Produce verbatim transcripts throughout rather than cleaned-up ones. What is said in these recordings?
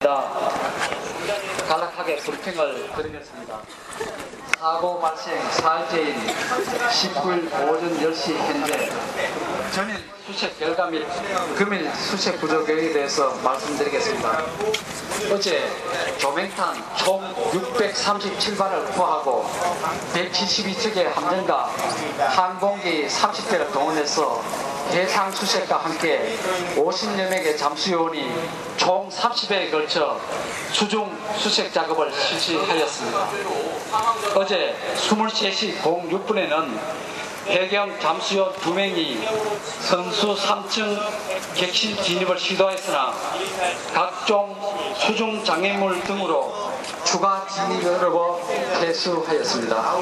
간략하게 브리핑을 드리겠습니다. 사고 발생 사일째인 십구일 오전 열 시 현재 전일 수색 결과 및 금일 수색 부족에 대해서 말씀드리겠습니다. 어제 조명탄 총 육백삼십칠 발을 투하하고 백칠십이 척의 함정과 항공기 삼십 대를 동원해서 해상 수색과 함께 오십여 명의 잠수요원이 총 삼십 회에 걸쳐 수중 수색 작업을 실시하였습니다. 어제 이십세 시 육 분에는 해경 잠수요원 두 명이 선수 삼 층 객실 진입을 시도했으나 각종 수중 장애물 등으로 추가 진입을 어려워 퇴수하였습니다.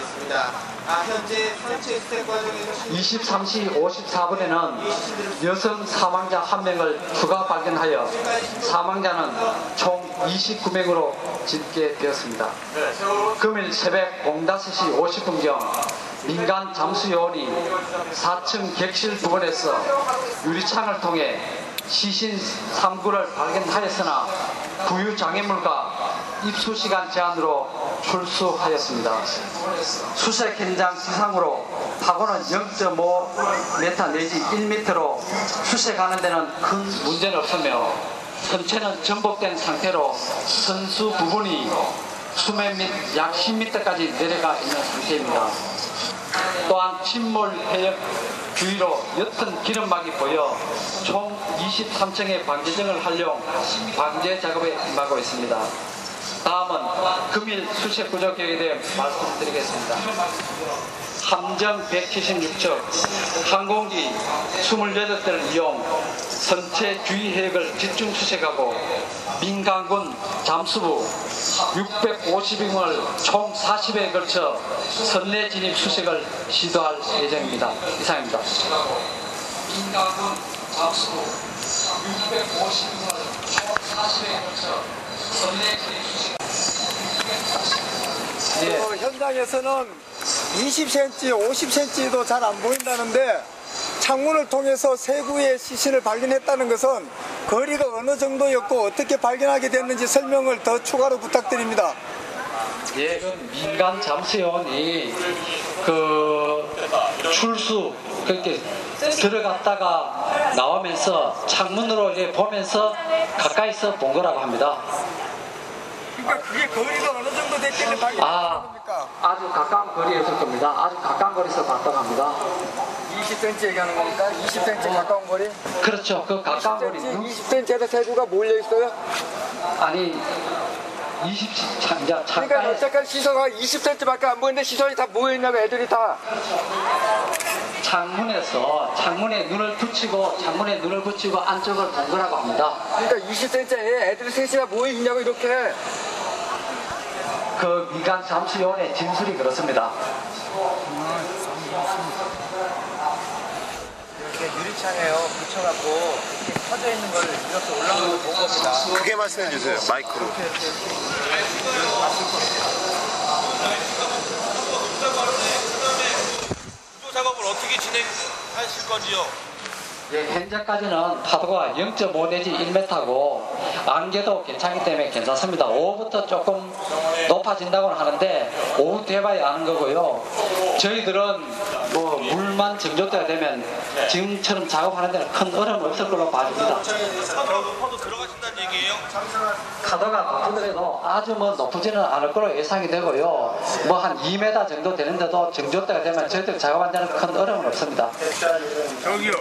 이십삼 시 오십사 분에는 여성 사망자 한 명을 추가 발견하여 사망자는 총 이십구 명으로 집계되었습니다. 금일 새벽 다섯 시 오십 분경 민간 잠수요원이 사 층 객실 부근에서 유리창을 통해 시신 삼 구를 발견하였으나 부유 장애물과 입수 시간 제한으로 출수하였습니다. 수색 현장 지상으로 파고는 영 점 오 미터 내지 일 미터로 수색하는 데는 큰 문제는 없으며 선체는 전복된 상태로 선수 부분이 수면 및 약 십 미터까지 내려가 있는 상태입니다. 또한 침몰 해역 주위로 옅은 기름막이 보여 총 이십삼 층의 방제정을 활용 방제 작업에 임하고 있습니다. 다음은 금일 수색 부족 계획에 대해 말씀드리겠습니다. 함정 백칠십육 척, 항공기 이십팔 대를 이용 선체 주위 해역을 집중 수색하고 민간군 잠수부 육백오십 명을 총 사십 회에 걸쳐 선내 진입 수색을 시도할 예정입니다. 이상입니다. 민간군 잠수부 육백오십 명을 총 사십 회에 걸쳐 선내 진입 수색을 예. 어, 현장에서는 이십 센티미터, 오십 센티미터도 잘 안 보인다는데 창문을 통해서 세구의 시신을 발견했다는 것은 거리가 어느 정도였고 어떻게 발견하게 됐는지 설명을 더 추가로 부탁드립니다. 예, 그 민간 잠수요원이 그 출수 그렇게 들어갔다가 나오면서 창문으로 이제 보면서 가까이서 본 거라고 합니다. 그러니까 그게 거리가 어느 정도 됐길래 발견한 아, 겁니까? 아주 가까운 거리에 있을 겁니다. 아주 가까운 거리에서 봤다고 합니다. 이십 센티미터 얘기하는 겁니까? 이십 센티미터 가까운 거리? 그렇죠. 그 가까운 거리. 이십 센티미터에서 세구가 몰려 있어요? 아니, 이십 차, 이제 그러니까 잠깐. 어쨌든 시선가 이십 센티미터밖에 안 보이는데 시선이 다 모여 있냐고 애들이 다. 창문에서 창문에 눈을 붙이고 창문에 눈을 붙이고 안쪽을 본 거라고 합니다. 그러니까 이십 센티미터에 애들이 셋이나 모여 있냐고 이렇게. 그 민간 잠수요원의 진술이 그렇습니다. 이렇게 유리창에요 붙여갖고 이렇게 켜져 있는 걸 이렇게 올라오는 걸 본 겁니다. 크게 말씀해 주세요. 마이크로. 구조 작업을 어떻게 진행하실 건지요? 예, 현재까지는 파도가 영 점 오 내지 일 미터고 안개도 괜찮기 때문에 괜찮습니다. 오후부터 조금 높아진다고는 하는데 오후 돼봐야 아는 거고요. 저희들은 뭐 물만 정조대가 되면 지금처럼 작업하는 데는 큰 어려움 없을 걸로 봐집니다. 파도가 높아도 들어가신다는 얘기예요? 파도가 높더라도 아주 뭐 높지는 않을 걸로 예상이 되고요. 뭐 한 이 미터 정도 되는데도 정조대가 되면 저희들 작업하는 데는 큰 어려움은 없습니다. 저기요.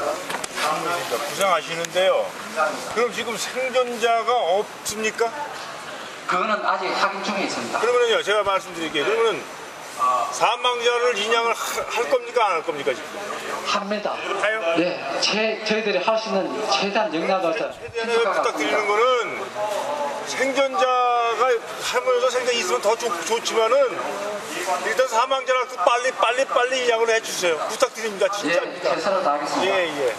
부상하시는데요. 그럼 지금 생존자가 없습니까? 그거는 아직 확인 중에 있습니다. 그러면요, 제가 말씀드릴게요. 그러면은 사망자를 인양을 하, 할 겁니까, 안 할 겁니까 지금? 합니다. 하요? 네, 제, 저희들이 할 수 있는 최대한 역량을 최대한에 부탁드리는 거는 생존자가 하면서 생존 있으면 더 좋, 좋지만은 일단 사망자를 빨리 빨리 빨리 인양을 해주세요. 부탁드립니다. 진짜입니다. 예, 최선을 다하겠습니다. 예, 예.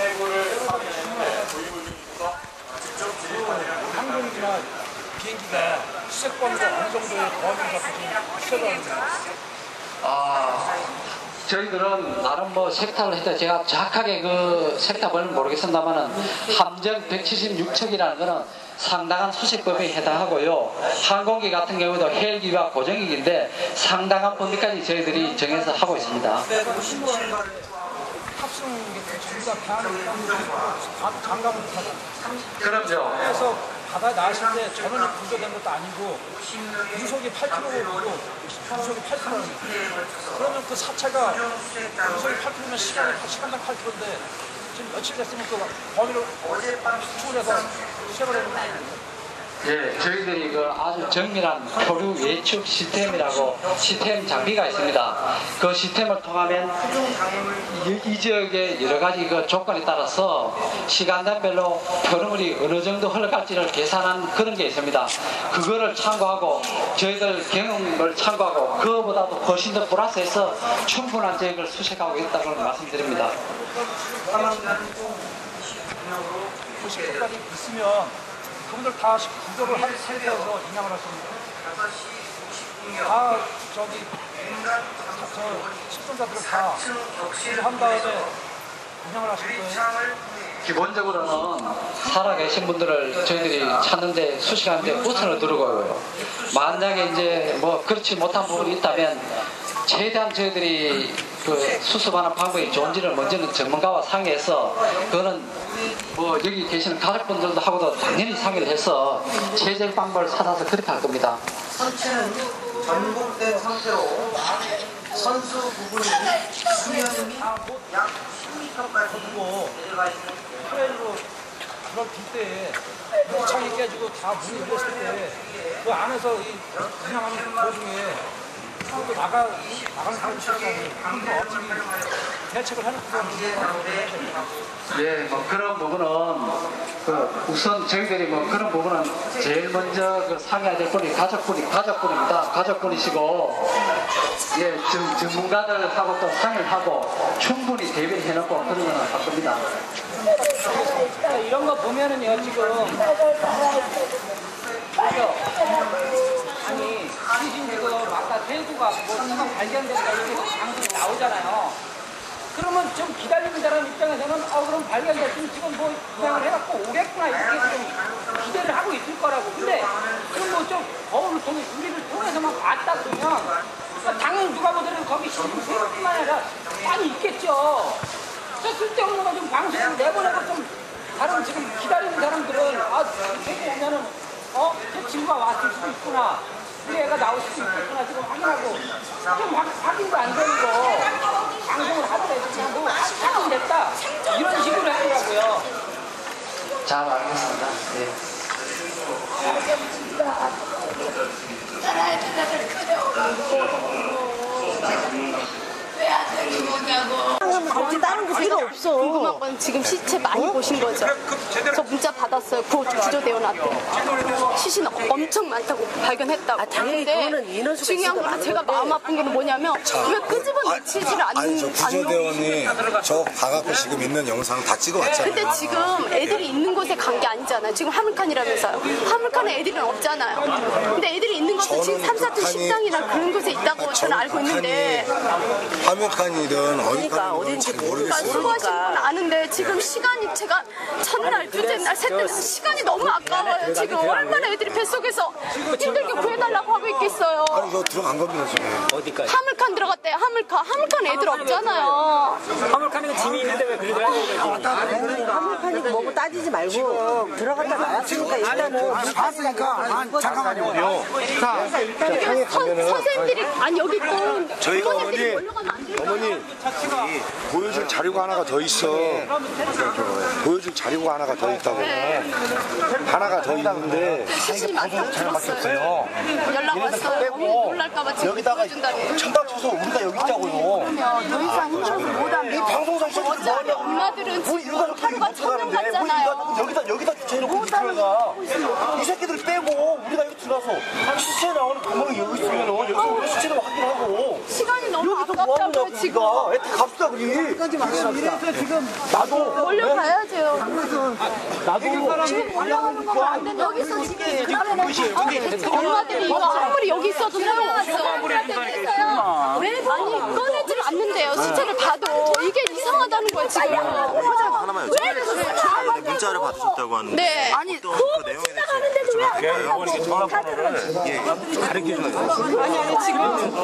항공기나 비행기가 수색 범위가 어느 정도의 범위를 갖고 지금 추적을 아, 저희들은 나름 뭐 섹터를 했다. 제가 정확하게 그 섹터 번호는 모르겠습니다만은 함정 백칠십육 척이라는 거는 상당한 수식법에 해당하고요. 항공기 같은 경우도 헬기와 고정기인데 상당한 범위까지 저희들이 정해서 하고 있습니다. 탑승객들 전부 다 배 안에 장갑을 타고 그럼요. 그래서 바다에 나왔을 때 전원이 구조된 것도 아니고 유속이 팔 킬로미터고 유속이 팔 킬로미터 그러면 그 사체가 유속이 팔 킬로미터면 시간이 시간당 팔 킬로미터인데 지금 며칠 됐으면 그 범위를 추출해서 수색을 해놓은 거 아닙니까? 예, 저희들이 그 아주 정밀한 표류 예측 시스템이라고 시스템 장비가 있습니다. 그 시스템을 통하면 이, 이 지역의 여러 가지 그 조건에 따라서 시간단별로 표류물이 어느 정도 흘러갈지를 계산한 그런 게 있습니다. 그거를 참고하고 저희들 경험을 참고하고 그거보다도 훨씬 더 플러스해서 충분한 저희를 수색하고 있다고 말씀드립니다. 고식도까지 있으면 그분들 다 구조를 한 상태에서 인양을 할 겁니다. 다 저기 저 식전자들을 다 한 다음에 인양을 하실 거예요. 기본적으로는 살아계신 분들을 저희들이 찾는데 수식하는데 우선을 두르고요. 만약에 이제 뭐 그렇지 못한 부분이 있다면 최대한 저희들이 그 수습하는 방법이 좋은지를 먼저는 전문가와 상의해서 그거는 뭐 여기 계시는 가족분들도 하고도 당연히 상의를 해서 최적 방법을 찾아서 그렇게 할 겁니다. 선체는 전복된 상태로 선수 부분이 수면이 약 십 미터까지 내려가 있는 트레일로 그럴 빈대에 창이 깨지고 다 문이 열렸을 때 그 안에서 이 운영하는 도중에 또 나가 나가는 사람이 있어가지고 그거 어떻게 대책을 하는 그런 예, 뭐 그런 부분은 그 우선 저희들이 뭐 그런 부분은 제일 먼저 그 상의해야 될 분이 가족분이 가족분입니다. 가족분이시고 예, 전, 전문가들하고 또 상의를 하고 충분히 대비를 해놓고 그런 거는 할 겁니다. 이런 거 보면은요 지금 그죠? 아니 지금 지금 아까 대구가 뭐 지금 발견됐다 이렇게 방송이 나오잖아요. 그러면 좀 기다리는 사람 입장에서는 어 그럼 발견됐으면 지금 뭐 구상을 해갖고 오겠구나 이렇게 좀 기대를 하고 있을 거라고. 근데 그럼 뭐 좀 거울을 통해 우리를 통해서만 봤다 그러면 당연히 누가 보더라도 거기 신분뿐만 아니라 많이 있겠죠. 저 쓸데없는 거 좀 방송을 내보내고 좀 다른 지금 기다리는 사람들은 아 대구 오면은 어? 제 친구가 왔을 수도 있구나. 우리 애가 나올 수도 있겠구나. 지금 확인하고 좀 확, 확인도 안 되는 거 방송을 하더라도 그냥 뭐 확인됐다 이런 식으로 하더라고요. 잘 알겠습니다. 예. 어디 다른 거 필요 없어. 궁금한 건 지금 시체 많이 보신 거죠? 저 문자 받았어요. 구조, 구조대원한테. 시신 엄청 많다고 발견했다고. 아, 당연히 그거는 인원수가 중요한 건 제가 마음 아픈 게 뭐냐면 왜 끄집어내지를 않는 아니, 저 구조대원이 저 가갖고 지금 있는 영상 다 찍어왔잖아요. 근데 지금 애들이 있는 곳에 간 게 아니잖아요. 지금 화물칸이라면서요. 화물칸에 애들은 없잖아요. 근데 애들이 있는 곳은 지금 삼, 사층 식당이나 그런 곳에 있다고 저는 알고 있는데 화물칸이든 어디 그러니까 가는 잘 모르겠어요. 수고하신 분 아는데 지금 시간이 제가 첫날, 둘째 날, 셋째 날 시간이 너무 아까워요. 지금 얼마나 애들이 뱃속에서 힘들게 구해달라고 하고 있겠어요. 아니, 저 들어간 겁니다, 지금. 어디까지? 화물칸 들어갔대요. 화물칸. 화물칸 애들 없잖아요. 화물칸에는 짐이 있는데 왜 그리 들어가는 화물칸이 뭐고 따지지 말고 들어갔다 나왔으니까 일단은 봤으니까 잠깐만요. 자, 여기 선, 선생님들이 아니 여기 또 저희가 부모님들이 어머니, 몰려가면 안 돼요. 어머니, 보여줄 자료가 하나가 더 있어. 보여줄 자료가 하나가 더 있다고. 하나가 더 있는데. 시신이 많다고 들었어요. 연락 왔어요. 어머니 놀랄까봐 지금 보여준다니. 천박 쳐서 우리가 여기 있다고요. 그러면 더 이상 힘들어서 못하면 이 방송사 있어서 어차피 엄마들은 지금 하루가 천명 갔잖아요. 여기다 여기다 주체해놓고 들어가. 이 새끼들 빼고 우리가 여기 들어가서 시체 나오는 구멍이 여기 있으면은 여기서 우리 시체를 확인하고. 시간이 너무 여기서 뭐 하는 아깝다고요 거야 지금. 우리가. 애들 갑시다 우리. 여기까지 이래서 지금 나도 몰려가야죠. 나도 지금 올라가는 거면 안 된다. 여기서 지금 엄마들이 이거 아무리 여기 있어도 소용없어. 왜 아니 꺼내질 봤는데요. 시체를 봐도 이게 이상하다는 거예요 지금. 하나만 여쭤볼게요. 문자를 받으셨다고 하는데 네. 아니 어떤 그 내용에 대해서 여쭤봐도 될까요? 예, 가르쳐줘요. 아니 아니 지금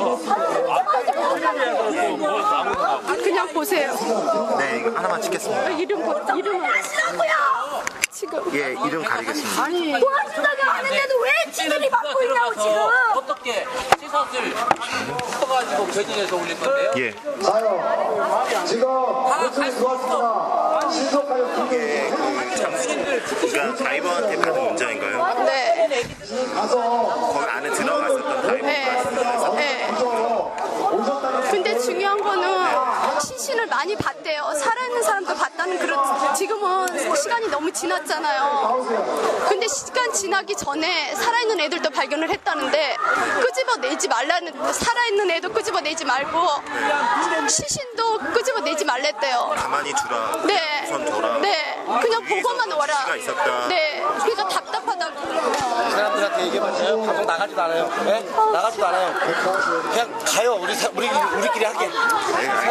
그냥 보세요. 네, 이거 하나만 찍겠습니다. 이름 보 이름을 지금 예, 이름 가리겠습니다. 아니 도와준다고 하는데도 왜 지들이 받고 있냐고 지금. 어떻게 시선을 써가지고 배진해서 올릴 건데요? 예. 지금 호출이 들어왔습니다. 신속하여 이게 그 장수님들 그러니까 다이버한테 받은 문자인가요? 네. 거기 안에 들어갔었던 다이버 네. 네. 근데 중요한 거는 시신을 많이 봤대요. 살아있는 사람도 봤다는 그런 지금은 시간이 너무 지났잖아요. 근데 시간 지나기 전에 살아있는 애들도 발견을 했다는데 끄집어내지 말라는 살아있는 애도 끄집어내지 말고 시신도 끄집어내지 말랬대요. 가만히 두라. 네. 우선 둬라. 네. 그냥 보고만 와라. 시가 있었다. 네. 그러니까 답답하다고. 이 사람들한테 얘기해봤어요? 방송 나가지도 않아요. 네? 나가지도 않아요. 그냥 가요. 우리 사, 우리 우리끼리 하게. 네,